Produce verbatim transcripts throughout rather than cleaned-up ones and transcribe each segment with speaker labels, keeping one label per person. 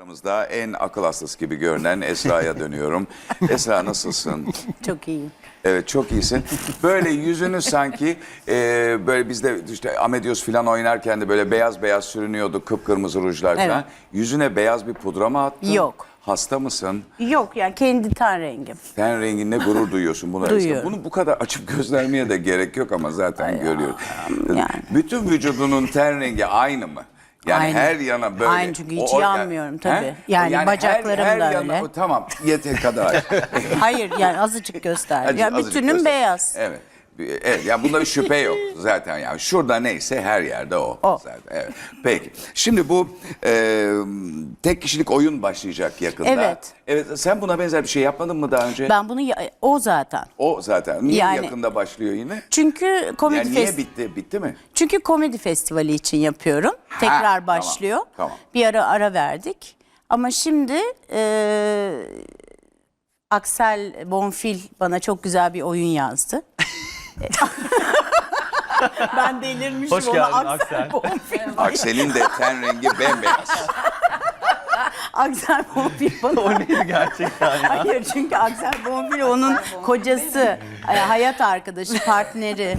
Speaker 1: Aramızda en akıl hastası gibi görünen Esra'ya dönüyorum. Esra nasılsın?
Speaker 2: Çok iyiyim.
Speaker 1: Evet, çok iyisin. Böyle yüzünü sanki e, böyle bizde işte Amedios falan oynarken de böyle beyaz beyaz sürünüyordu, kıpkırmızı rujlar falan.
Speaker 2: Evet.
Speaker 1: Yüzüne beyaz bir pudra mı attın?
Speaker 2: Yok.
Speaker 1: Hasta mısın?
Speaker 2: Yok yani kendi ten rengim.
Speaker 1: Ten renginle gurur duyuyorsun buna.
Speaker 2: Duyuyorum.
Speaker 1: Bunu bu kadar açıp göstermeye de gerek yok ama zaten görüyoruz.
Speaker 2: yani.
Speaker 1: Bütün vücudunun ten rengi aynı mı? Yani
Speaker 2: Aynı.
Speaker 1: her yana böyle.
Speaker 2: Aynı çünkü hiç
Speaker 1: O- o-
Speaker 2: yanmıyorum tabii.
Speaker 1: He?
Speaker 2: Yani bacaklarım
Speaker 1: her, her
Speaker 2: da
Speaker 1: yana-
Speaker 2: öyle.
Speaker 1: o- tamam yeter kadar.
Speaker 2: Hayır yani azıcık göster.
Speaker 1: Azıcık-
Speaker 2: ya
Speaker 1: azıcık
Speaker 2: bütünüm
Speaker 1: göster.
Speaker 2: beyaz.
Speaker 1: Evet. Evet, yani bunda bir şüphe yok zaten, yani şurada neyse her yerde o,
Speaker 2: O.
Speaker 1: zaten. Evet. Peki şimdi bu e, tek kişilik oyun başlayacak yakında.
Speaker 2: Evet.
Speaker 1: Evet, sen buna benzer bir şey yapmadın mı daha önce?
Speaker 2: Ben bunu ya- o zaten.
Speaker 1: O zaten niye
Speaker 2: Yani-
Speaker 1: yakında başlıyor yine?
Speaker 2: Çünkü komedi
Speaker 1: Yani niye
Speaker 2: fest-
Speaker 1: bitti? Bitti mi?
Speaker 2: Çünkü komedi festivali için yapıyorum. Tekrar
Speaker 1: tamam,
Speaker 2: başlıyor.
Speaker 1: tamam.
Speaker 2: Bir ara ara verdik. Ama şimdi e, Aksel Bonfil bana çok güzel bir oyun yazdı. Ben delirmişim.
Speaker 3: Hoş
Speaker 2: ona
Speaker 3: geldin
Speaker 2: Aksel
Speaker 3: Aksel.
Speaker 2: Bonfil.
Speaker 1: Aksel'in de ten rengi bembeyaz.
Speaker 2: Aksel Bonfil bana.
Speaker 3: O neydi gerçekten ya?
Speaker 2: Hayır çünkü Aksel Bonfil onun kocası, e, hayat arkadaşı, partneri,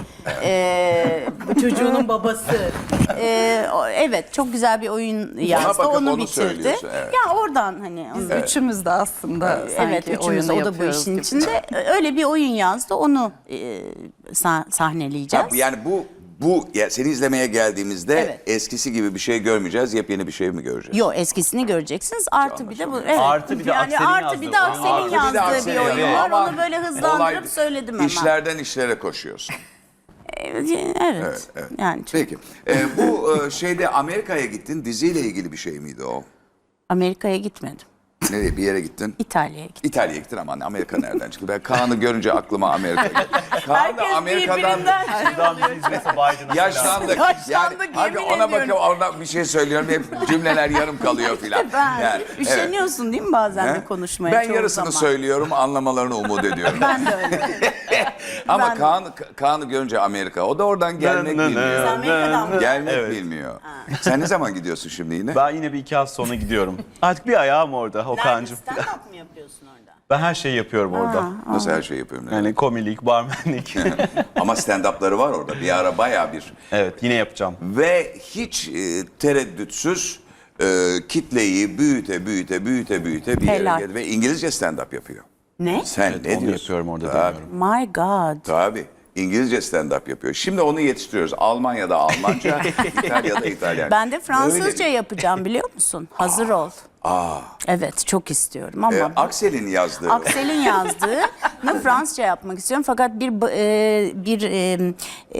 Speaker 2: e, çocuğunun babası. E, o- evet çok güzel bir oyun yazdı.
Speaker 1: bakıp
Speaker 2: Onu
Speaker 1: onu
Speaker 2: bitirdi.
Speaker 1: söylüyorsun, evet.
Speaker 2: Ya oradan hani. onu-
Speaker 4: Üçümüz de aslında sanki
Speaker 2: Evet üçümüz
Speaker 4: oyunu
Speaker 2: o da bu
Speaker 4: yapıyoruz
Speaker 2: işin
Speaker 4: gibi.
Speaker 2: içinde. Öyle bir oyun yazdı onu e, sah- sahneleyeceğiz.
Speaker 1: Ha, yani bu bu ya seni izlemeye geldiğimizde
Speaker 2: Evet.
Speaker 1: eskisi gibi bir şey görmeyeceğiz. Yepyeni bir şey mi göreceğiz?
Speaker 2: Yo eskisini göreceksiniz. Artı bir de bu. Evet.
Speaker 3: Artı bir de
Speaker 2: yani
Speaker 3: Aksel'in
Speaker 2: artı bir de
Speaker 3: yazdığı
Speaker 2: Aksel'in
Speaker 3: oyun.
Speaker 1: Artı bir de
Speaker 2: yazdığı
Speaker 1: Aksel'in
Speaker 2: bir oyun
Speaker 1: yazdığı.
Speaker 2: var.
Speaker 1: Ama
Speaker 2: Onu böyle hızlandırıp
Speaker 1: olay-
Speaker 2: söyledim hemen.
Speaker 1: İşlerden işlere koşuyorsun.
Speaker 2: Evet. evet.
Speaker 1: evet.
Speaker 2: Yani çok-
Speaker 1: Peki. Ee, bu e, şeyde Amerika'ya gittin. Diziyle ilgili bir şey miydi o?
Speaker 2: Amerika'ya gitmedim.
Speaker 1: Nereye, bir yere gittin?
Speaker 2: İtalya'ya gittim.
Speaker 1: İtalya'ya gittin ama Amerika nereden çıktı? Ben Kaan'ı görünce aklıma Amerika geldi. Kaan da
Speaker 2: Herkes
Speaker 1: Amerika'dan
Speaker 2: birbirinden
Speaker 3: Şuradan bizi izlese Biden'a
Speaker 1: yaşlandık.
Speaker 2: Yaşlandık,
Speaker 1: Yani
Speaker 2: yemin
Speaker 1: abi ona
Speaker 2: ediyorum.
Speaker 1: bakıp oradan bir şey söylüyorum. Hep cümleler yarım kalıyor filan.
Speaker 2: Ben
Speaker 1: Yani,
Speaker 2: üşeniyorsun değil mi bazen
Speaker 1: evet.
Speaker 2: de konuşmaya?
Speaker 1: Ben
Speaker 2: çoğu
Speaker 1: yarısını
Speaker 2: zaman.
Speaker 1: söylüyorum, anlamalarını umut ediyorum.
Speaker 2: Ben de öyle.
Speaker 1: Ama
Speaker 2: ben de.
Speaker 1: Kaan, Kaan'ı görünce Amerika. O da oradan gelmek
Speaker 3: Nı nı nı.
Speaker 1: bilmiyor.
Speaker 2: Sen Amerika'dan mı?
Speaker 1: Gelmek
Speaker 3: Evet.
Speaker 1: bilmiyor. Sen ne zaman gidiyorsun şimdi yine?
Speaker 3: Ben yine bir iki hafta sonra gidiyorum. Artık bir ayağım orada Okan'cığım.
Speaker 2: Stand-up mı yapıyorsun orada?
Speaker 3: Ben her şeyi yapıyorum orada.
Speaker 1: Nasıl her şeyi yapıyorum?
Speaker 3: Yani komilik, barmenlik.
Speaker 1: Ama stand-up'ları var orada. Bir ara bayağı bir.
Speaker 3: Evet yine yapacağım.
Speaker 1: Ve hiç e, tereddütsüz e, kitleyi büyüte büyüte büyüte büyüte bir yere
Speaker 2: Helal.
Speaker 1: geldi. Ve İngilizce stand-up yapıyor.
Speaker 2: Ne?
Speaker 1: Sen
Speaker 3: Evet,
Speaker 1: ne
Speaker 3: onu
Speaker 1: diyorsun?
Speaker 3: yapıyorum orada,
Speaker 1: Tabii,
Speaker 3: deniyorum.
Speaker 2: My God.
Speaker 1: tabii. İngilizce stand-up yapıyor. Şimdi onu yetiştiriyoruz. Almanya'da Almanca, İtalya'da İtalyanca.
Speaker 2: Ben de Fransızca
Speaker 1: Böyle-
Speaker 2: yapacağım biliyor musun? Hazır ol.
Speaker 1: Aa,
Speaker 2: Evet çok istiyorum ama
Speaker 1: e, Aksel'in yazdığı.
Speaker 2: Aksel'in yazdığını Fransızca yapmak istiyorum fakat bir ba- e, bir e,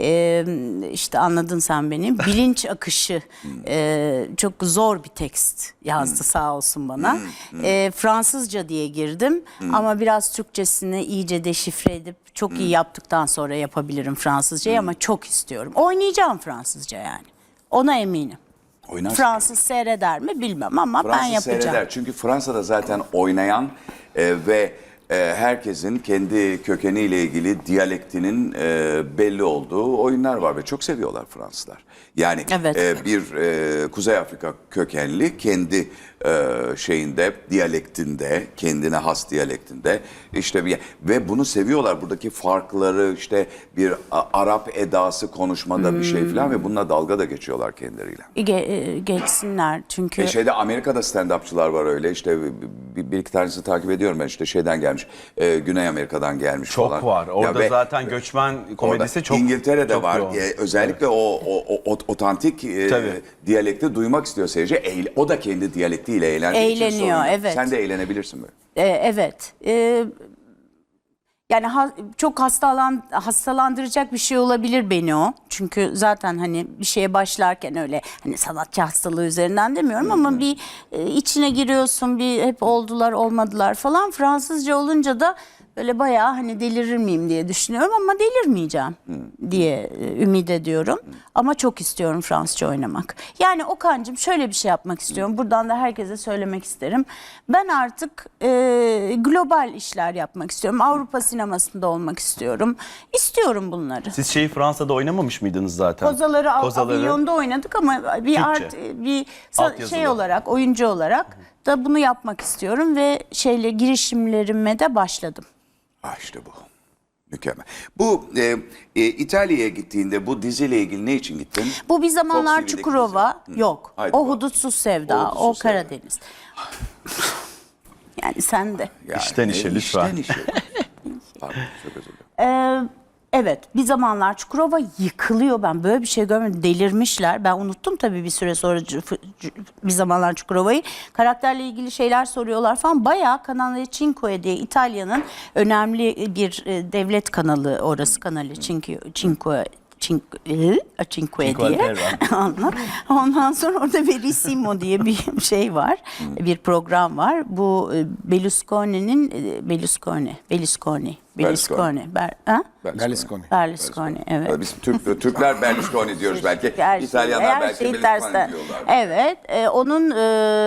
Speaker 2: e, işte anladın sen beni bilinç akışı e, çok zor bir tekst yazdı sağ olsun bana. E, Fransızca diye girdim ama biraz Türkçesini iyice deşifre edip çok iyi yaptıktan sonra yapabilirim Fransızcayı ama çok istiyorum. Oynayacağım Fransızca yani. Ona eminim.
Speaker 1: Oynarsın.
Speaker 2: Fransız seyreder mi bilmem ama ben
Speaker 1: Fransız
Speaker 2: yapacağım.
Speaker 1: seyreder. Çünkü Fransa'da zaten oynayan e, ve e, herkesin kendi kökeniyle ilgili diyalektinin e, belli olduğu oyunlar var ve çok seviyorlar Fransızlar. Yani
Speaker 2: Evet.
Speaker 1: e, bir e, Kuzey Afrika kökenli kendi e, şeyinde, diyalektinde, kendine has diyalektinde işte bir ve bunu seviyorlar. Buradaki farkları işte bir a, Arap edası konuşmada bir şey falan ve bununla dalga da geçiyorlar kendileriyle.
Speaker 2: Ge- e, geçsinler çünkü
Speaker 1: E şeyde Amerika'da stand-upçılar var öyle işte bir, bir iki tanesini takip ediyorum ben işte şeyden gelmiş e, Güney Amerika'dan gelmiş
Speaker 3: Çok
Speaker 1: falan.
Speaker 3: var. Orada
Speaker 1: ve
Speaker 3: zaten göçmen komedisi
Speaker 1: orada
Speaker 3: çok
Speaker 1: İngiltere'de
Speaker 3: çok
Speaker 1: var.
Speaker 3: yoğun.
Speaker 1: E, özellikle o, o, o, o otantik e,
Speaker 3: Tabii.
Speaker 1: diyalekti duymak istiyor seyirci. Eğle- o da kendi diyalektiyle eğlendiği için
Speaker 2: Eğleniyor,
Speaker 1: sorun yok.
Speaker 2: evet.
Speaker 1: Sen de eğlenebilirsin böyle.
Speaker 2: e, evet E, yani ha- çok hastalan hastalandıracak bir şey olabilir beni o çünkü zaten hani bir şeye başlarken öyle hani sanatçı hastalığı üzerinden demiyorum ama bir e, içine giriyorsun bir hep oldular olmadılar falan Fransızca olunca da böyle bayağı hani delirir miyim diye düşünüyorum ama delirmeyeceğim diye e, ümit ediyorum. Ama çok istiyorum Fransızca oynamak. Yani Okan'cığım şöyle bir şey yapmak istiyorum. Buradan da herkese söylemek isterim. Ben artık e, global işler yapmak istiyorum. Avrupa sinemasında olmak istiyorum. İstiyorum bunları.
Speaker 3: Siz şeyi Fransa'da oynamamış mıydınız zaten?
Speaker 2: Kozaları, Av-
Speaker 3: Kozaları.
Speaker 2: Avinyon'da oynadık ama bir
Speaker 3: Türkçe.
Speaker 2: art bir sa-
Speaker 3: Altyazılı.
Speaker 2: şey olarak oyuncu olarak da bunu yapmak istiyorum ve şeyle girişimlerime de başladım.
Speaker 1: Ah işte bu. Mükemmel. Bu e, e, İtalya'ya gittiğinde bu diziyle ilgili ne için gittin?
Speaker 2: Bu bir zamanlar
Speaker 1: Fox T V'deki
Speaker 2: Çukurova
Speaker 1: dizi. Hı.
Speaker 2: yok.
Speaker 1: Haydi
Speaker 2: O
Speaker 1: bakalım.
Speaker 2: Hudutsuz Sevda,
Speaker 1: O Hudutsuz
Speaker 2: o
Speaker 1: Sevda.
Speaker 2: Karadeniz. Yani sen de.
Speaker 1: Yani,
Speaker 3: İşten işe
Speaker 1: e,
Speaker 3: lütfen.
Speaker 1: İşten işe. Pardon, çok özür dilerim.
Speaker 2: Ee, evet, bir zamanlar Çukurova yıkılıyor. Ben böyle bir şey görmedim. Delirmişler. Ben unuttum tabii bir süre sonra c- f- c- bir zamanlar Çukurova'yı. Karakterle ilgili şeyler soruyorlar falan. Bayağı Canale Cinque diye İtalya'nın önemli bir e, devlet kanalı orası, kanalı Cinque Cinque Cinque, e, Cinque
Speaker 3: Cinque
Speaker 2: diye.
Speaker 3: Terre.
Speaker 2: Ondan- Ondan sonra orada Verissimo diye bir şey var. Bir program var. Bu e, Berlusconi'nin e, Berlusconi, Berlusconi, Berlusconi. Ber, ha?
Speaker 4: Berlusconi.
Speaker 2: Berlusconi, evet.
Speaker 1: Biz Türk, Türkler Berlusconi diyoruz belki.
Speaker 2: Her şey-
Speaker 1: İtalyanlar
Speaker 2: her
Speaker 1: belki
Speaker 2: şeyi
Speaker 1: Berlusconi
Speaker 2: tersten.
Speaker 1: diyorlar.
Speaker 2: Evet, e, onun e,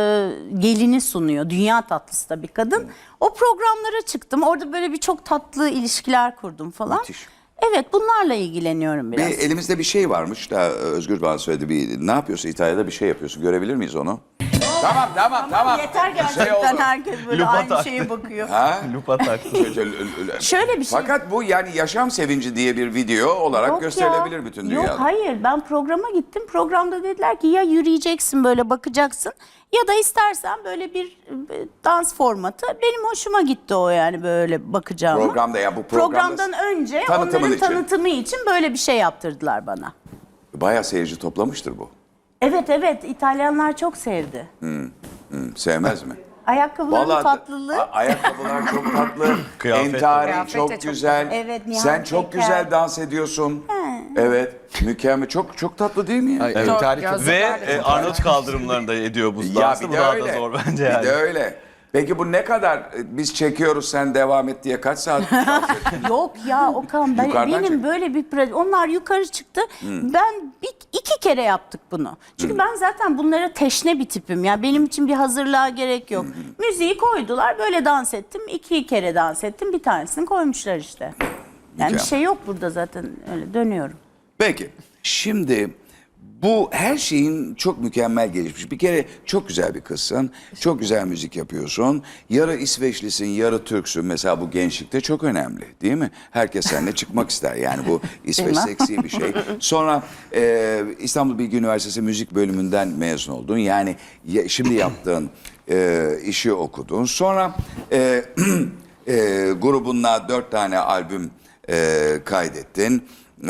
Speaker 2: gelini sunuyor. Dünya tatlısı da bir kadın. O programlara çıktım. Orada böyle bir çok tatlı ilişkiler kurdum falan.
Speaker 1: Müthiş.
Speaker 2: Evet, bunlarla ilgileniyorum biraz.
Speaker 1: Bir, elimizde bir şey varmış da Özgür bana söyledi. Bir, ne yapıyorsun İtalya'da bir şey yapıyorsun. Görebilir miyiz onu? Tamam tamam tamam.
Speaker 2: Yeter
Speaker 1: Bir şey
Speaker 2: gerçekten,
Speaker 1: oldu.
Speaker 2: herkes böyle
Speaker 3: Lupa
Speaker 2: aynı
Speaker 3: taktı.
Speaker 2: şeye bakıyor.
Speaker 1: Ha?
Speaker 3: Lupa taktı.
Speaker 2: Şöyle bir şey.
Speaker 1: Fakat bu yani yaşam sevinci diye bir video olarak
Speaker 2: Yok
Speaker 1: gösterilebilir
Speaker 2: ya.
Speaker 1: bütün dünyada.
Speaker 2: Yok hayır, ben programa gittim. Programda dediler ki ya yürüyeceksin böyle bakacaksın ya da istersen böyle bir e, dans formatı. Benim hoşuma gitti o, yani böyle bakacağım.
Speaker 1: Programda ya bu programda
Speaker 2: Programdan önce
Speaker 1: tanıtımın
Speaker 2: onların
Speaker 1: için.
Speaker 2: tanıtımı için böyle bir şey yaptırdılar bana.
Speaker 1: Bayağı seyirci toplamıştır bu.
Speaker 2: Evet evet, İtalyanlar çok sevdi.
Speaker 1: Hı, sevmez mi?
Speaker 2: Ayakkabıların
Speaker 1: Vallahi
Speaker 2: tatlılığı.
Speaker 1: a- ayakkabılar çok tatlı.
Speaker 3: Kıyafet de.
Speaker 1: Entari
Speaker 5: Kıyafet de
Speaker 1: çok
Speaker 5: çok
Speaker 1: güzel.
Speaker 2: Evet, Nihan
Speaker 1: Sen çok
Speaker 2: Peker.
Speaker 1: güzel dans ediyorsun. Evet. Mükemmel. Çok çok tatlı değil mi ya?
Speaker 4: Ay,
Speaker 3: Evet.
Speaker 4: evet. Tarih çok
Speaker 5: Gözlükler
Speaker 3: Ve
Speaker 5: de
Speaker 3: e,
Speaker 5: çok
Speaker 3: Arnavut kaldırımlarında ediyor bu
Speaker 1: Ya
Speaker 3: dansı.
Speaker 1: bir
Speaker 3: Bu
Speaker 1: de
Speaker 3: daha
Speaker 1: öyle.
Speaker 3: da zor bence yani.
Speaker 1: Bir de öyle. Peki bu ne kadar e, biz çekiyoruz sen devam et diye kaç saat dans ettin?
Speaker 2: Yok ya Okan, ben,
Speaker 1: Yukarıdan
Speaker 2: benim
Speaker 1: çek.
Speaker 2: böyle bir proje. Onlar yukarı çıktı. Ben bir, iki kere yaptık bunu. Çünkü ben zaten bunlara teşne bir tipim. Ya benim için bir hazırlığa gerek yok. Müziği koydular, böyle dans ettim. İki kere dans ettim. Bir tanesini koymuşlar işte. Yani bir
Speaker 1: Mükemmel.
Speaker 2: şey yok burada zaten, öyle dönüyorum.
Speaker 1: Peki şimdi bu her şeyin çok mükemmel gelişmiş. Bir kere çok güzel bir kızsın. Çok güzel müzik yapıyorsun. Yarı İsveçlisin, yarı Türksün. Mesela bu gençlikte çok önemli değil mi? Herkes seninle çıkmak ister. Yani bu İsveç
Speaker 2: Bilmem.
Speaker 1: seksi bir şey. Sonra e, İstanbul Bilgi Üniversitesi müzik bölümünden mezun oldun. Yani ya- şimdi yaptığın e, işi okudun. Sonra e, e, grubunla dört tane albüm e, kaydettin. E,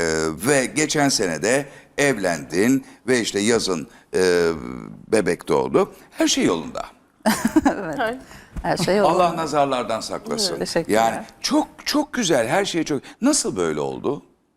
Speaker 1: ve geçen sene de evlendin ve işte yazın e, bebek doğdu. Her şey yolunda.
Speaker 5: Her şey olur.
Speaker 1: Allah nazarlardan saklasın.
Speaker 5: Teşekkürler.
Speaker 1: Yani çok çok güzel, her şey çok. Nasıl böyle oldu?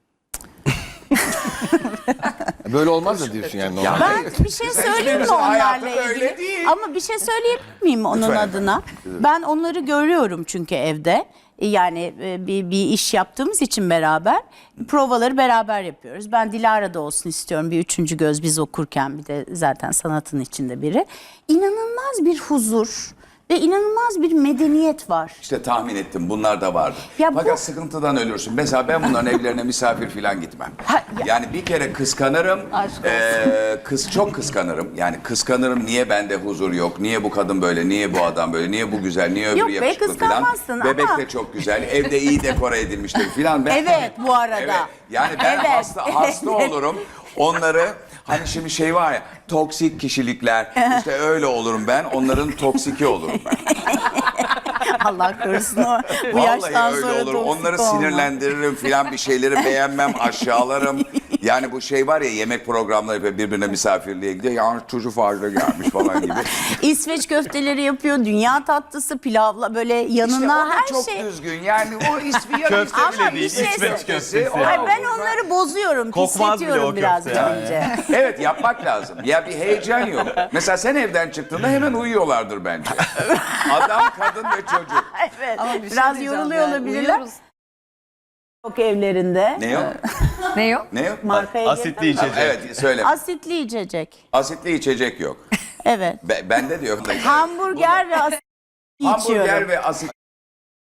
Speaker 4: Böyle olmaz da diyorsun yani. normal.
Speaker 2: Ben bir şey söyleyeyim mi
Speaker 1: hiçbirimizin hayatı
Speaker 2: onlarla
Speaker 1: öyle
Speaker 2: ilgili?
Speaker 1: değil.
Speaker 2: Ama bir şey söyleyebilir miyim onun
Speaker 1: Lütfen.
Speaker 2: adına? Ben onları görüyorum çünkü evde. Yani e, bir, bir iş yaptığımız için beraber provaları beraber yapıyoruz. Ben Dilara'da olsun istiyorum, bir üçüncü göz biz okurken, bir de zaten sanatın içinde biri. İnanılmaz bir huzur ve inanılmaz bir medeniyet var.
Speaker 1: İşte tahmin ettim bunlar da vardı.
Speaker 2: Ya
Speaker 1: Fakat
Speaker 2: bu-
Speaker 1: sıkıntıdan ölürsün. Mesela ben bunların evlerine misafir falan gitmem.
Speaker 2: Ha, ya-
Speaker 1: Yani bir kere kıskanırım.
Speaker 2: Aşk olsun.
Speaker 1: Ee, kız çok kıskanırım. Yani kıskanırım, niye bende huzur yok? Niye bu kadın böyle? Niye bu adam böyle? Niye bu güzel? Niye öbürü
Speaker 2: Yok be,
Speaker 1: yakışıklı falan?
Speaker 2: kıskanmazsın
Speaker 1: Bebek
Speaker 2: ama-
Speaker 1: de çok güzel. Evde iyi dekore edilmiştir falan. Ben,
Speaker 2: Evet, bu arada.
Speaker 1: Evet. Yani ben
Speaker 2: Evet.
Speaker 1: hasta hasta olurum. Onları hani şimdi şey var ya, toksik kişilikler, işte öyle olurum ben, onların toksiki olurum ben.
Speaker 2: Allah korusun, o bu yaştan
Speaker 1: Vallahi öyle
Speaker 2: sonra
Speaker 1: olur.
Speaker 2: toksik
Speaker 1: Onları
Speaker 2: olma.
Speaker 1: sinirlendiririm filan, bir şeyleri beğenmem, aşağılarım. Yani bu şey var ya, yemek programları yapıyor, birbirine misafirliğe gidiyor. Ya çocuk fazla gelmiş falan gibi.
Speaker 2: İsveç köfteleri yapıyor, dünya tatlısı, pilavla böyle
Speaker 1: İşte o
Speaker 2: yanına
Speaker 1: da
Speaker 2: her
Speaker 1: çok
Speaker 2: şey.
Speaker 1: düzgün. Yani o ismi ya
Speaker 3: Köfte
Speaker 1: İsveç-
Speaker 3: bile
Speaker 2: bir
Speaker 3: değil,
Speaker 2: şey
Speaker 3: İsveç
Speaker 2: söyle-
Speaker 3: köftesi.
Speaker 1: O-
Speaker 2: Ay ben onları bozuyorum,
Speaker 3: Kokmaz bile o
Speaker 2: pisletiyorum biraz
Speaker 3: köfte yani.
Speaker 2: önce.
Speaker 1: Evet, yapmak lazım. Ya bir heyecan yok. Mesela sen evden çıktığında hemen uyuyorlardır bence. Adam, kadın ve çocuk.
Speaker 2: Evet.
Speaker 5: Ama bir şey
Speaker 2: Biraz
Speaker 5: diyeceğim
Speaker 2: yoruluyor
Speaker 5: yani,
Speaker 2: olabilirler.
Speaker 5: uyuyoruz.
Speaker 2: Yok evlerinde.
Speaker 1: Ne yok?
Speaker 5: Ne yok?
Speaker 1: Ne yok?
Speaker 2: Markaya
Speaker 3: Asitli
Speaker 2: girdim.
Speaker 3: içecek.
Speaker 1: Evet, söyle.
Speaker 2: Asitli içecek.
Speaker 1: Asitli içecek yok.
Speaker 2: Evet.
Speaker 1: Be- bende diyor.
Speaker 2: Hamburger ve asitli içiyorum.
Speaker 1: Hamburger ve asit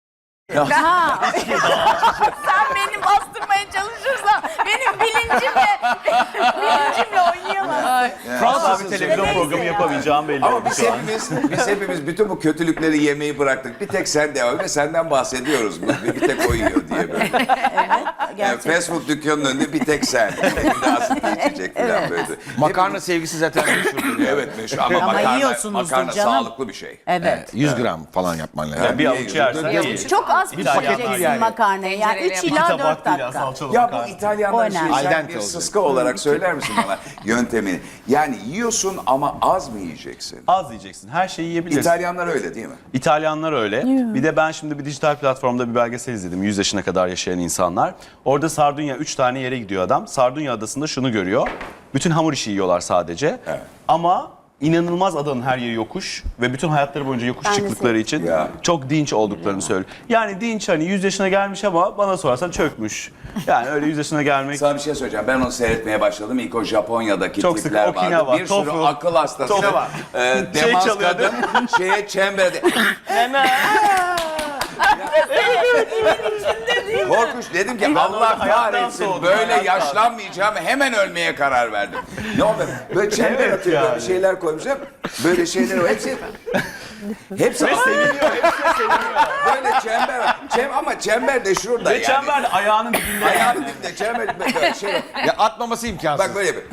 Speaker 2: Sen beni bastırmaya çalışırsan benim bilincimle bilincimle oynayamazsın.
Speaker 3: Fransız bir televizyon
Speaker 2: Neyse
Speaker 3: programı
Speaker 2: ya.
Speaker 3: yapamayacağım belli
Speaker 1: Ama
Speaker 3: oldu
Speaker 1: biz
Speaker 3: şu an.
Speaker 1: hepimiz, biz hepimiz bütün bu kötülükleri yemeyi bıraktık. Bir tek sen de öyle, senden bahsediyoruz. Bir, bir tek o yiyor diye böyle. Yani
Speaker 2: Gerçekten.
Speaker 1: fast food dükkanının önünde bir tek sen. Bir de asitli içecek falan böyle.
Speaker 4: Makarna sevgisi zaten meşhurdur. ya.
Speaker 1: Evet meşhur ama,
Speaker 2: Ama
Speaker 1: makarna,
Speaker 2: yiyorsunuzdur
Speaker 1: makarna
Speaker 2: canım.
Speaker 1: sağlıklı bir şey.
Speaker 2: Evet.
Speaker 4: yüz gram falan yapman lazım.
Speaker 3: Yani bir
Speaker 1: Niye
Speaker 3: avuç
Speaker 1: yiyorsun?
Speaker 3: yersen
Speaker 5: Bir
Speaker 3: iyi.
Speaker 5: avuç.
Speaker 2: Çok az
Speaker 3: İtalyanlar
Speaker 2: pişireceksin
Speaker 4: yani.
Speaker 2: makarnayı. Yani
Speaker 5: Tencereyle
Speaker 2: üç
Speaker 5: yap.
Speaker 2: ila
Speaker 3: tabak
Speaker 2: dört
Speaker 3: değil ya,
Speaker 2: dakika.
Speaker 3: salçalı
Speaker 1: Ya bu
Speaker 3: makarna.
Speaker 1: İtalyanlar
Speaker 2: O
Speaker 1: şey,
Speaker 2: önemli.
Speaker 1: sen
Speaker 4: Al dente
Speaker 1: bir
Speaker 4: oluyor.
Speaker 1: sıska olarak söyler misin bana yöntemini? Yani yiyorsun ama az mı yiyeceksin?
Speaker 3: Az yiyeceksin. Her şeyi yiyebilirsin.
Speaker 1: İtalyanlar öyle değil mi?
Speaker 3: İtalyanlar öyle. Bir de ben şimdi bir dijital platformda bir belgesel izledim. yüz yaşına kadar yaşayan insanlar. Orada Sardunya üç tane yere gidiyor adam. Sardunya adasında şunu görüyor. Bütün hamur işi yiyorlar sadece.
Speaker 1: Evet.
Speaker 3: Ama inanılmaz adanın her yeri yokuş ve bütün hayatları boyunca yokuş
Speaker 2: Ben de
Speaker 3: çıktıkları için
Speaker 1: Ya.
Speaker 3: çok dinç olduklarını söylüyor. Yani dinç hani yüz yaşına gelmiş ama bana sorarsan çökmüş. Yani öyle yüz yaşına gelmek
Speaker 1: Sana bir şey söyleyeceğim. Ben onu seyretmeye başladım. İlk o Japonya'daki
Speaker 3: Çok sık
Speaker 1: tipler
Speaker 3: Okinawa,
Speaker 1: vardı. Bir sürü
Speaker 3: tofu,
Speaker 1: akıl hastası.
Speaker 3: tofu.
Speaker 1: E,
Speaker 3: Şey
Speaker 1: demans
Speaker 3: çalıyor,
Speaker 1: kadın şeye çemberde. Korkunç dedim ki Allah
Speaker 3: orada hayattan
Speaker 1: kahretsin
Speaker 3: soğudum,
Speaker 1: böyle
Speaker 3: hayattan.
Speaker 1: yaşlanmayacağım hemen ölmeye karar verdim. Ne oldu? Böyle çember
Speaker 3: Evet
Speaker 1: atıyor böyle
Speaker 3: yani.
Speaker 1: bir şeyler koymuşlar. Böyle şeyler o hepsi hepsi
Speaker 3: ve seviniyor, hepsi seviniyor.
Speaker 1: böyle çember. Çem, ama çember de şurada
Speaker 3: Ve
Speaker 1: yani.
Speaker 3: çember de ayağının dibinde.
Speaker 1: Ayağının dibinde çember böyle şey.
Speaker 4: Ya atmaması imkansız.
Speaker 1: Bak böyle bir.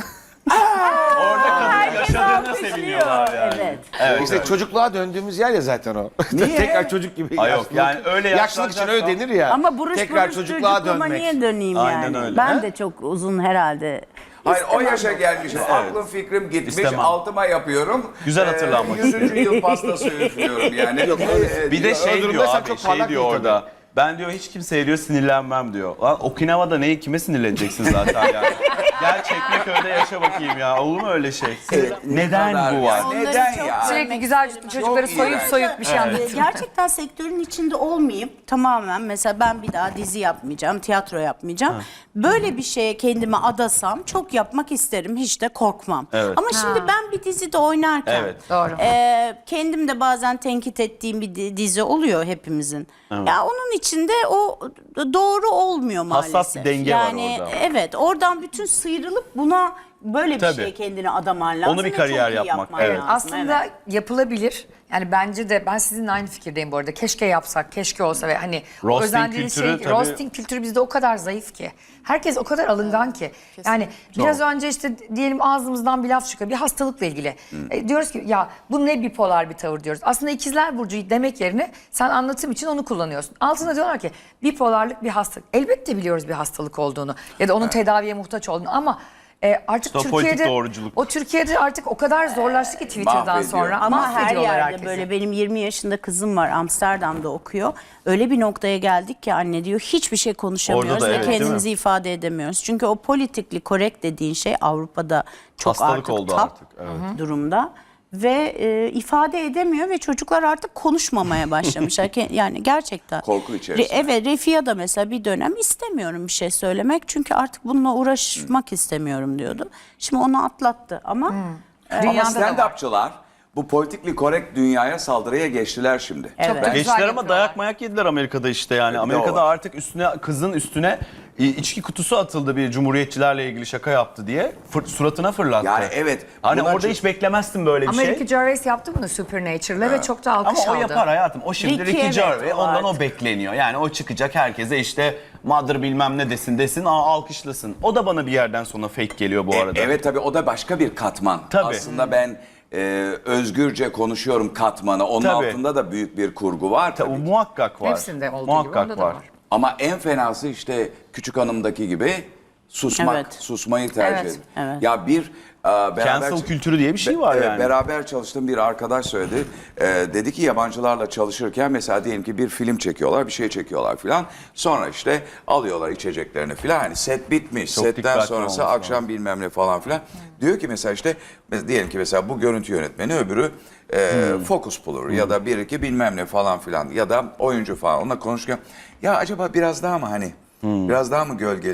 Speaker 3: Orada kadın
Speaker 2: Herkes
Speaker 3: yaşadığına
Speaker 2: alkışlıyor.
Speaker 3: seviniyorlar yani.
Speaker 2: Evet.
Speaker 3: Evet,
Speaker 4: İşte
Speaker 3: evet.
Speaker 4: çocukluğa döndüğümüz yer ya zaten o.
Speaker 1: Niye?
Speaker 4: Tekrar çocuk gibi.
Speaker 3: Ay yok,
Speaker 4: yaşlılık-
Speaker 3: yani öyle
Speaker 4: Yaşlılık için öyle denir ya.
Speaker 2: Ama buruş
Speaker 4: Tekrar
Speaker 2: buruş
Speaker 4: çocukluğa
Speaker 2: çocukluğuma
Speaker 4: dönmek.
Speaker 2: niye döneyim
Speaker 3: Aynen
Speaker 2: yani?
Speaker 3: öyle.
Speaker 2: Ben
Speaker 3: He?
Speaker 2: de çok uzun herhalde.
Speaker 1: Hayır o
Speaker 2: İstemem.
Speaker 1: yaşa gelmişim. Aklım fikrim gitmiş.
Speaker 3: İstemem.
Speaker 1: Altıma yapıyorum.
Speaker 3: Güzel hatırlanmak
Speaker 1: Ee, yüzüncü yıl pastası üflüyorum yani. Ee,
Speaker 3: Bir de şey
Speaker 4: durumda
Speaker 3: diyor
Speaker 4: sen
Speaker 3: abi,
Speaker 4: çok
Speaker 3: şey
Speaker 4: parlak
Speaker 3: diyor
Speaker 4: değil
Speaker 3: orada. Ben diyor hiç kimseye diyor sinirlenmem diyor. Lan Okinawa'da neye kime sinirleneceksin zaten yani. Gel Çekmeköy'de yaşa bakayım ya. Olur mu öyle şey?
Speaker 1: Evet,
Speaker 3: Neden
Speaker 1: kadar
Speaker 3: bu var?
Speaker 1: ya?
Speaker 2: Onları
Speaker 1: Neden
Speaker 2: çok
Speaker 1: ya?
Speaker 5: Sürekli güzel çocukları
Speaker 1: Çok
Speaker 5: soyup
Speaker 1: iğrenç.
Speaker 5: soyup bir şey
Speaker 2: Ee,
Speaker 5: anlatıyor.
Speaker 2: Gerçekten sektörün içinde olmayıp tamamen mesela ben bir daha dizi yapmayacağım, tiyatro yapmayacağım. Böyle bir şeye kendimi adasam çok yapmak isterim. Hiç de korkmam.
Speaker 3: Evet.
Speaker 2: Ama şimdi ben bir dizide oynarken
Speaker 3: Evet.
Speaker 5: Doğru.
Speaker 2: e, kendim de bazen tenkit ettiğim bir di- dizi oluyor hepimizin. Ya onun içinde o doğru olmuyor maalesef.
Speaker 3: Hassas bir denge var
Speaker 2: yani,
Speaker 3: orada.
Speaker 2: Evet, oradan bütün sıyrılıp buna böyle bir
Speaker 3: Tabii.
Speaker 2: şeye kendini adaman lazım.
Speaker 3: Onu bir
Speaker 2: ve
Speaker 3: kariyer
Speaker 2: çok iyi
Speaker 3: yapmak,
Speaker 2: yapman
Speaker 3: evet.
Speaker 2: lazım,
Speaker 5: Aslında
Speaker 2: evet.
Speaker 5: yapılabilir. Yani bence de ben sizinle aynı fikirdeyim bu arada. Keşke yapsak, keşke olsa ve hani o
Speaker 3: Roasting
Speaker 5: özendiğiniz
Speaker 3: kültürü
Speaker 5: şey,
Speaker 3: tabii-
Speaker 5: roasting kültürü bizde o kadar zayıf ki. Herkes o kadar alıngan ki. Yani biraz önce işte diyelim ağzımızdan bir laf çıkıyor. Bir hastalıkla ilgili. E, diyoruz ki ya bu ne bipolar bir tavır diyoruz. Aslında ikizler burcu demek yerine sen anlatım için onu kullanıyorsun. Altında diyorlar ki bipolarlık bir hastalık. Elbette biliyoruz bir hastalık olduğunu ya da onun tedaviye muhtaç olduğunu ama e, artık
Speaker 3: İşte o politik
Speaker 5: Türkiye'de
Speaker 3: doğruculuk.
Speaker 5: o Türkiye'de artık o kadar zorlaştı ki Twitter'dan
Speaker 1: Mahvediyor.
Speaker 5: sonra.
Speaker 2: Ama her
Speaker 5: Mahvediyorlar
Speaker 2: yerde
Speaker 5: herkesi.
Speaker 2: böyle benim yirmi yaşında kızım var Amsterdam'da okuyor. Öyle bir noktaya geldik ki anne diyor hiçbir şey konuşamıyoruz
Speaker 3: Orada da
Speaker 2: ve
Speaker 3: evet, değil
Speaker 2: kendimizi
Speaker 3: mi?
Speaker 2: ifade edemiyoruz. Çünkü o politically correct dediğin şey Avrupa'da çok
Speaker 3: Hastalık
Speaker 2: artık
Speaker 3: oldu
Speaker 2: top
Speaker 3: artık, evet.
Speaker 2: durumda. Ve e, ifade edemiyor ve çocuklar artık konuşmamaya başlamışlar. Ke- yani gerçekten.
Speaker 1: Korku içerisinde.
Speaker 2: Re- evet Refia da mesela bir dönem istemiyorum bir şey söylemek. Çünkü artık bununla uğraşmak istemiyorum diyordu. Şimdi onu atlattı ama... e,
Speaker 1: Ama
Speaker 5: Dünyada da var.
Speaker 1: stand-upçılar bu politically correct dünyaya saldırıya geçtiler şimdi.
Speaker 5: Çok
Speaker 2: Evet.
Speaker 5: da güzel
Speaker 3: Geçtiler ama
Speaker 5: yapıyorlar.
Speaker 3: dayak mayak yediler Amerika'da işte yani.
Speaker 1: Bir de o
Speaker 3: Amerika'da
Speaker 1: var.
Speaker 3: artık üstüne kızın üstüne i- içki kutusu atıldı bir cumhuriyetçilerle ilgili şaka yaptı diye. Fır- suratına fırlattı.
Speaker 1: Yani evet,
Speaker 3: Hani
Speaker 1: bunlar
Speaker 3: orada
Speaker 1: çok-
Speaker 3: hiç beklemezsin böyle bir
Speaker 5: Amerika
Speaker 3: şey.
Speaker 5: Gervais yaptı bunu Supernature'la ve çok da alkış
Speaker 3: Ama o
Speaker 5: aldı.
Speaker 3: yapar hayatım. O şimdi
Speaker 2: Ricky,
Speaker 3: Ricky
Speaker 2: evet,
Speaker 3: Gervais.
Speaker 2: o
Speaker 3: Ondan
Speaker 2: artık.
Speaker 3: o bekleniyor. Yani o çıkacak herkese işte mother bilmem ne desin desin aa, alkışlasın. O da bana bir yerden sonra fake geliyor bu
Speaker 1: E,
Speaker 3: arada.
Speaker 1: evet tabii o da başka bir katman.
Speaker 3: Tabii.
Speaker 1: Aslında ben e, özgürce konuşuyorum katmanı. Onun
Speaker 3: Tabii.
Speaker 1: altında da büyük bir kurgu var
Speaker 3: Ta- o
Speaker 1: tabii.
Speaker 3: muhakkak var.
Speaker 5: Hepsinde olduğu gibi
Speaker 3: muhakkak
Speaker 5: onda da
Speaker 3: var.
Speaker 5: var.
Speaker 1: Ama en fenası işte Küçük Hanım'daki gibi susmak,
Speaker 2: Evet.
Speaker 1: susmayı tercih
Speaker 5: Evet,
Speaker 1: edin.
Speaker 2: evet.
Speaker 1: Ya bir e, beraber
Speaker 3: Cancel kültürü diye bir şey
Speaker 1: Be-
Speaker 3: var
Speaker 1: evet,
Speaker 3: yani.
Speaker 1: Beraber çalıştığım bir arkadaş söyledi. E, dedi ki yabancılarla çalışırken mesela diyelim ki bir film çekiyorlar, bir şey çekiyorlar filan. Sonra işte alıyorlar içeceklerini filan. Hani set bitmiş.
Speaker 3: Çok
Speaker 1: Setten
Speaker 3: dikkatli
Speaker 1: sonrası
Speaker 3: olması
Speaker 1: akşam bilmem ne falan filan. Diyor ki mesela işte mes- diyelim ki mesela bu görüntü yönetmeni öbürü e,
Speaker 3: Hmm.
Speaker 1: focus bulur ya da bir iki bilmem ne falan filan ya da oyuncu falan onunla konuşurken ya acaba biraz daha mı hani
Speaker 3: Hmm.
Speaker 1: biraz daha mı gölge?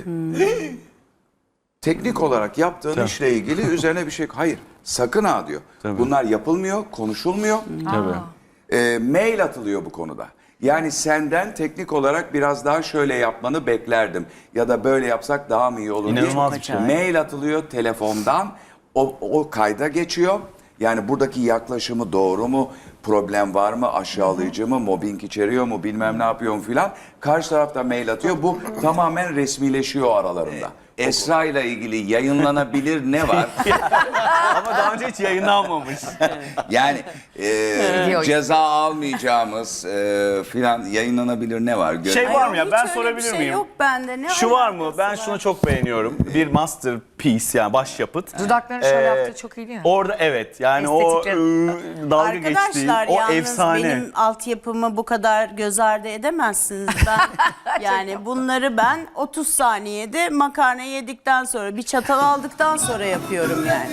Speaker 1: Teknik olarak yaptığın işle ilgili üzerine bir şey hayır sakın ha diyor. Bunlar yapılmıyor, konuşulmuyor.
Speaker 3: Tabii.
Speaker 1: E, mail atılıyor bu konuda. Yani senden teknik olarak biraz daha şöyle yapmanı beklerdim. Ya da böyle yapsak daha mı iyi olur diye.
Speaker 3: İnanılmaz bir şey.
Speaker 1: Mail atılıyor telefondan. O, o kayda geçiyor. Yani buradaki yaklaşımı doğru mu? Problem var mı? Aşağılayıcı mı? Mobbing içeriyor mu? Bilmem ne yapıyor mu filan. Karşı tarafta mail atıyor. Bu tamamen resmileşiyor aralarında. Esra ile ilgili yayınlanabilir ne var?
Speaker 3: Ama daha önce hiç yayınlanmamış.
Speaker 1: Yani e,
Speaker 5: Video.
Speaker 1: ceza almayacağımız e, filan yayınlanabilir ne var? Gö-
Speaker 3: Şey var mı ya,
Speaker 2: Hiç
Speaker 3: ben
Speaker 2: öyle bir
Speaker 3: sorabilir
Speaker 2: şey
Speaker 3: miyim?
Speaker 2: Yok bende. Ne
Speaker 3: Şu var mı?
Speaker 2: alakası
Speaker 3: Ben
Speaker 2: var?
Speaker 3: şunu çok beğeniyorum. Bir masterpiece yani başyapıt.
Speaker 5: Dudaklarını şöyle
Speaker 3: Ee,
Speaker 5: yaptığı çok iyi değil mi?
Speaker 3: Orada evet yani o
Speaker 5: Estetikleri.
Speaker 3: ıı, dalga geçtiği,
Speaker 2: Arkadaşlar
Speaker 3: o
Speaker 2: yalnız
Speaker 3: efsane.
Speaker 2: benim altyapımı bu kadar göz ardı edemezsiniz. Ben yani bunları ben otuz saniyede makarna yedikten sonra bir çatal aldıktan sonra yapıyorum yani.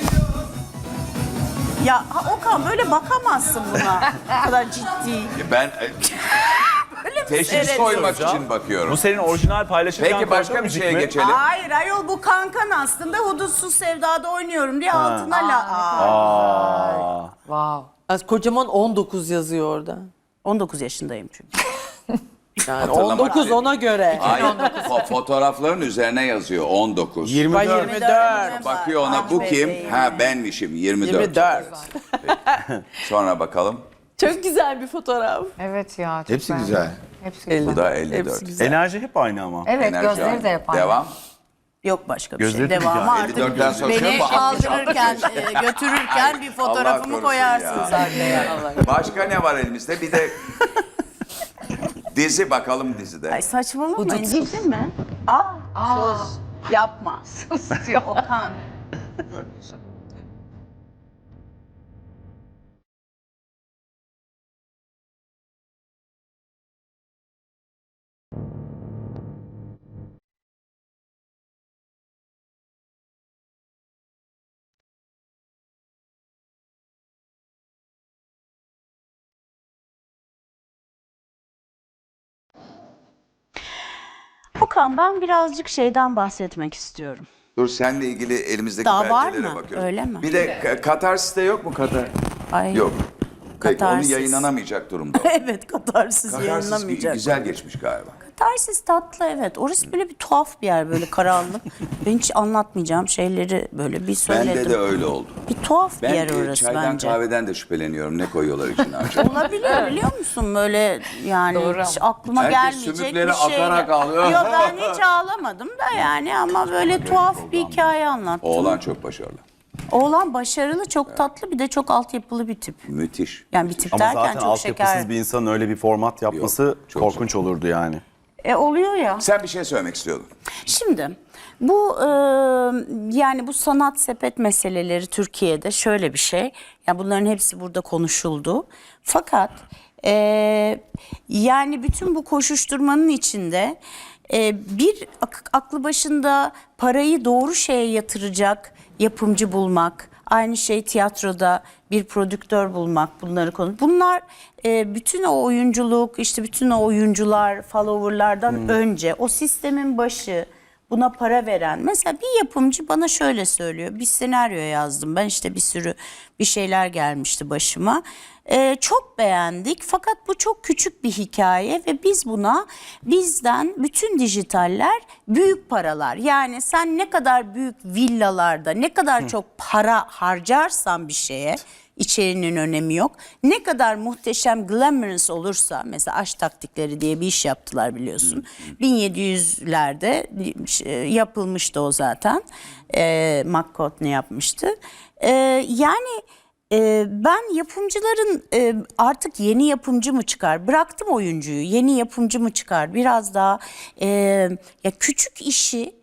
Speaker 2: Ya ha, Okan böyle bakamazsın buna. Bu kadar ciddi.
Speaker 1: Ben e, teşhis
Speaker 2: seyret
Speaker 1: koymak
Speaker 3: soracağım.
Speaker 1: için bakıyorum.
Speaker 3: Bu senin orijinal paylaşırken
Speaker 1: Peki başka
Speaker 3: koyduğun
Speaker 1: bir
Speaker 3: müzik
Speaker 1: şeye
Speaker 3: mi?
Speaker 1: geçelim.
Speaker 2: Hayır ayol bu kankan aslında Hudutsuz Sevda'da oynuyorum diye altına la... Aa.
Speaker 3: Aa.
Speaker 5: Wow.
Speaker 6: Az kocaman on dokuz yazıyor orada.
Speaker 2: on dokuz yaşındayım çünkü.
Speaker 6: Yani
Speaker 1: Hatırlamak
Speaker 6: on dokuz
Speaker 1: için.
Speaker 6: ona göre.
Speaker 1: Hayır, fo- fotoğrafların üzerine yazıyor on dokuz.
Speaker 4: yirmi
Speaker 6: Ben
Speaker 4: dört.
Speaker 6: yirmi dört.
Speaker 1: Bakıyor ona bu kim? Ha benmişim yirmi dört.
Speaker 6: yirmi dört.
Speaker 1: Sonra bakalım.
Speaker 6: Çok güzel bir fotoğraf.
Speaker 5: Evet ya. Çok
Speaker 4: Hepsi
Speaker 5: beğendim.
Speaker 4: güzel.
Speaker 5: Hepsi güzel.
Speaker 1: Bu da elli dört.
Speaker 6: Hepsi güzel.
Speaker 3: Enerji hep aynı ama.
Speaker 5: Evet
Speaker 1: Enerji
Speaker 5: gözleri
Speaker 1: aynı.
Speaker 5: de yapar.
Speaker 1: Devam.
Speaker 2: Yok başka bir
Speaker 3: Gözleri
Speaker 2: şey.
Speaker 3: de
Speaker 2: Devamı
Speaker 3: güzel.
Speaker 2: artık
Speaker 1: elli dörtten sonra
Speaker 2: beni
Speaker 1: bakmış,
Speaker 2: kaldırırken, e, götürürken bir
Speaker 1: Allah
Speaker 2: fotoğrafımı
Speaker 1: korusun
Speaker 2: koyarsınız
Speaker 1: ya.
Speaker 2: arkaya.
Speaker 1: Başka ne var elimizde? Bir de dizi bakalım dizide.
Speaker 2: Ay saçmalamayın. Ciddi mi? Aa, sus. Yapma. Sus diyor Okan. Okan ben birazcık şeyden bahsetmek istiyorum.
Speaker 1: Dur seninle ilgili elimizdeki
Speaker 2: Daha var
Speaker 1: belgelere
Speaker 2: mı?
Speaker 1: bakıyorum.
Speaker 2: Öyle mi?
Speaker 1: Bir de Ka- Katarsis'te yok mu Katar?
Speaker 2: Ay.
Speaker 1: Yok. Peki
Speaker 2: Katarsis.
Speaker 1: onu yayınlanamayacak durumda.
Speaker 2: Evet katarsis
Speaker 1: Katarsis
Speaker 2: yayınlamayacak.
Speaker 1: güzel geçmiş galiba.
Speaker 2: Katarsis tatlı evet. Orası böyle bir tuhaf bir yer böyle karanlık. Ben hiç anlatmayacağım şeyleri böyle bir söyledim.
Speaker 1: Bende de öyle oldu.
Speaker 2: Bir tuhaf bir
Speaker 1: Ben
Speaker 2: yer
Speaker 1: e,
Speaker 2: orası
Speaker 1: çaydan
Speaker 2: bence.
Speaker 1: kahveden de şüpheleniyorum. Ne koyuyorlar içine acaba?
Speaker 2: Olabilir biliyor musun böyle yani
Speaker 5: Doğru
Speaker 2: hiç aklıma
Speaker 1: Herkes
Speaker 2: gelmeyecek
Speaker 1: sümükleri
Speaker 2: bir şey.
Speaker 1: akarak ağlıyor.
Speaker 2: Yok ben hiç ağlamadım da yani ama böyle tuhaf bir hikaye anlattım.
Speaker 1: Oğlan çok başarılı.
Speaker 2: Oğlan başarılı, çok tatlı bir de çok altyapılı bir tip.
Speaker 1: Müthiş.
Speaker 2: Yani bir tip
Speaker 3: Ama
Speaker 2: derken
Speaker 3: zaten
Speaker 2: çok
Speaker 3: altyapısız
Speaker 2: şeker.
Speaker 3: bir insanın öyle bir format yapması
Speaker 1: Yok, çok
Speaker 3: korkunç olurdu yani.
Speaker 2: E oluyor ya.
Speaker 1: Sen bir şey söylemek istiyordun.
Speaker 2: Şimdi bu e, yani bu sanat sepet meseleleri Türkiye'de şöyle bir şey. Ya bunların hepsi burada konuşuldu. Fakat e, yani bütün bu koşuşturmanın içinde e, bir ak- aklı başında parayı doğru şeye yatıracak yapımcı bulmak, aynı şey tiyatroda bir prodüktör bulmak, bunları konu. Bunlar e, bütün o oyunculuk, işte bütün o oyuncular, followerlardan önce o sistemin başı, buna para veren. Mesela bir yapımcı bana şöyle söylüyor. Bir senaryo yazdım. Ben işte bir sürü bir şeyler gelmişti başıma. Ee, çok beğendik fakat bu çok küçük bir hikaye ve biz buna bizden bütün dijitaller büyük paralar. Yani sen ne kadar büyük villalarda ne kadar çok para harcarsan bir şeye içeriğinin önemi yok. Ne kadar muhteşem glamorous olursa mesela Aşk Taktikleri diye bir iş yaptılar biliyorsun. bin yedi yüzlerde yapılmıştı o zaten. E, McCartney yapmıştı. E, yani e, ben yapımcıların e, artık yeni yapımcı mı çıkar? Bıraktım oyuncuyu. Yeni yapımcı mı çıkar? Biraz daha e, ya küçük işi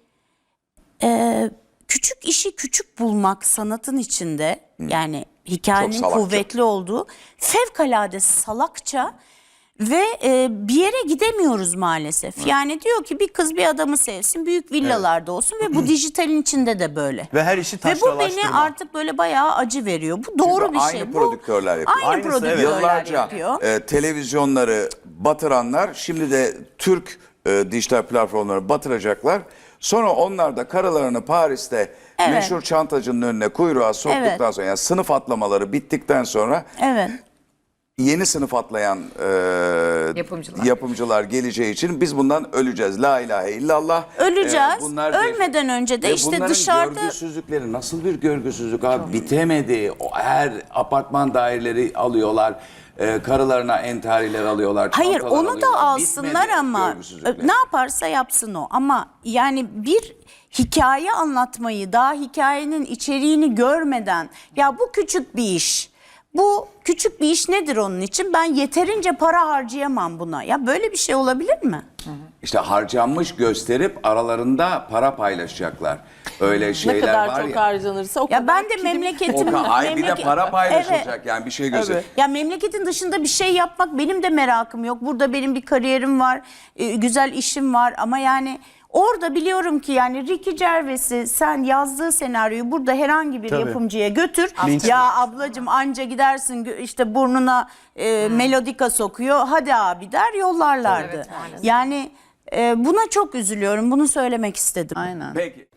Speaker 2: e, küçük işi küçük bulmak sanatın içinde yani hikayenin
Speaker 1: Çok salakça.
Speaker 2: kuvvetli olduğu fevkalade salakça ve e, bir yere gidemiyoruz maalesef. Yani diyor ki bir kız bir adamı sevsin, büyük villalarda olsun ve bu dijitalin içinde de böyle.
Speaker 3: Ve her işi
Speaker 2: Ve bu beni
Speaker 3: taşralaştırma.
Speaker 2: artık böyle bayağı acı veriyor. Bu doğru
Speaker 1: Çünkü
Speaker 2: bir
Speaker 1: aynı
Speaker 2: şey.
Speaker 1: prodüktörler
Speaker 2: bu,
Speaker 1: yapıyor.
Speaker 2: Aynı
Speaker 3: Aynısı, evet.
Speaker 2: prodüktörler
Speaker 1: Yıllarca
Speaker 2: yapıyor.
Speaker 1: e, televizyonları batıranlar şimdi de Türk e, dijital platformları batıracaklar. Sonra onlar da karılarını Paris'te
Speaker 2: Evet.
Speaker 1: meşhur çantacının önüne kuyruğa soktuktan
Speaker 2: Evet.
Speaker 1: sonra yani sınıf atlamaları bittikten sonra
Speaker 2: Evet.
Speaker 1: yeni sınıf atlayan e,
Speaker 5: Yapımcılar.
Speaker 1: yapımcılar geleceği için biz bundan öleceğiz. La ilahe illallah.
Speaker 2: Öleceğiz.
Speaker 1: E, bunlar bir-
Speaker 2: Ölmeden önce de
Speaker 1: Ve
Speaker 2: işte
Speaker 1: bunların
Speaker 2: dışarıda
Speaker 1: görgüsüzlükleri nasıl bir görgüsüzlük abi, bitemedi. O her apartman daireleri alıyorlar. E, karılarına entariler alıyorlar.
Speaker 2: hayır
Speaker 1: çantalar
Speaker 2: onu da
Speaker 1: alıyorlar.
Speaker 2: alsınlar
Speaker 1: Bitmedi
Speaker 2: ama
Speaker 1: görgüsüzlükler.
Speaker 2: ne yaparsa yapsın o. Ama yani bir hikaye anlatmayı, daha hikayenin içeriğini görmeden, ya bu küçük bir iş. Bu küçük bir iş nedir onun için? Ben yeterince para harcayamam buna. Ya böyle bir şey olabilir mi?
Speaker 1: İşte harcanmış gösterip aralarında para paylaşacaklar. Öyle
Speaker 6: Ne
Speaker 1: şeyler
Speaker 6: kadar
Speaker 1: var
Speaker 6: çok
Speaker 1: ya.
Speaker 6: harcanırsa o
Speaker 2: Ya
Speaker 6: kadar
Speaker 2: ben de
Speaker 6: prim-
Speaker 2: memleketim.
Speaker 1: O ka- ay bir de
Speaker 2: memleket-
Speaker 1: para paylaşılacak
Speaker 2: Evet.
Speaker 1: yani bir şey göster.
Speaker 6: Evet.
Speaker 2: Ya memleketin dışında bir şey yapmak benim de merakım yok. Burada benim bir kariyerim var, e, güzel işim var ama yani orada biliyorum ki yani Ricky Gervais'i sen yazdığı senaryoyu burada herhangi bir
Speaker 3: Tabii.
Speaker 2: yapımcıya götür. Ya ablacığım anca gidersin gö- işte burnuna e, melodika sokuyor. Hadi abi der yollarlardı.
Speaker 5: Evet, maalesef.
Speaker 2: Yani e, buna çok üzülüyorum. Bunu söylemek istedim.
Speaker 6: Aynen.
Speaker 1: Peki.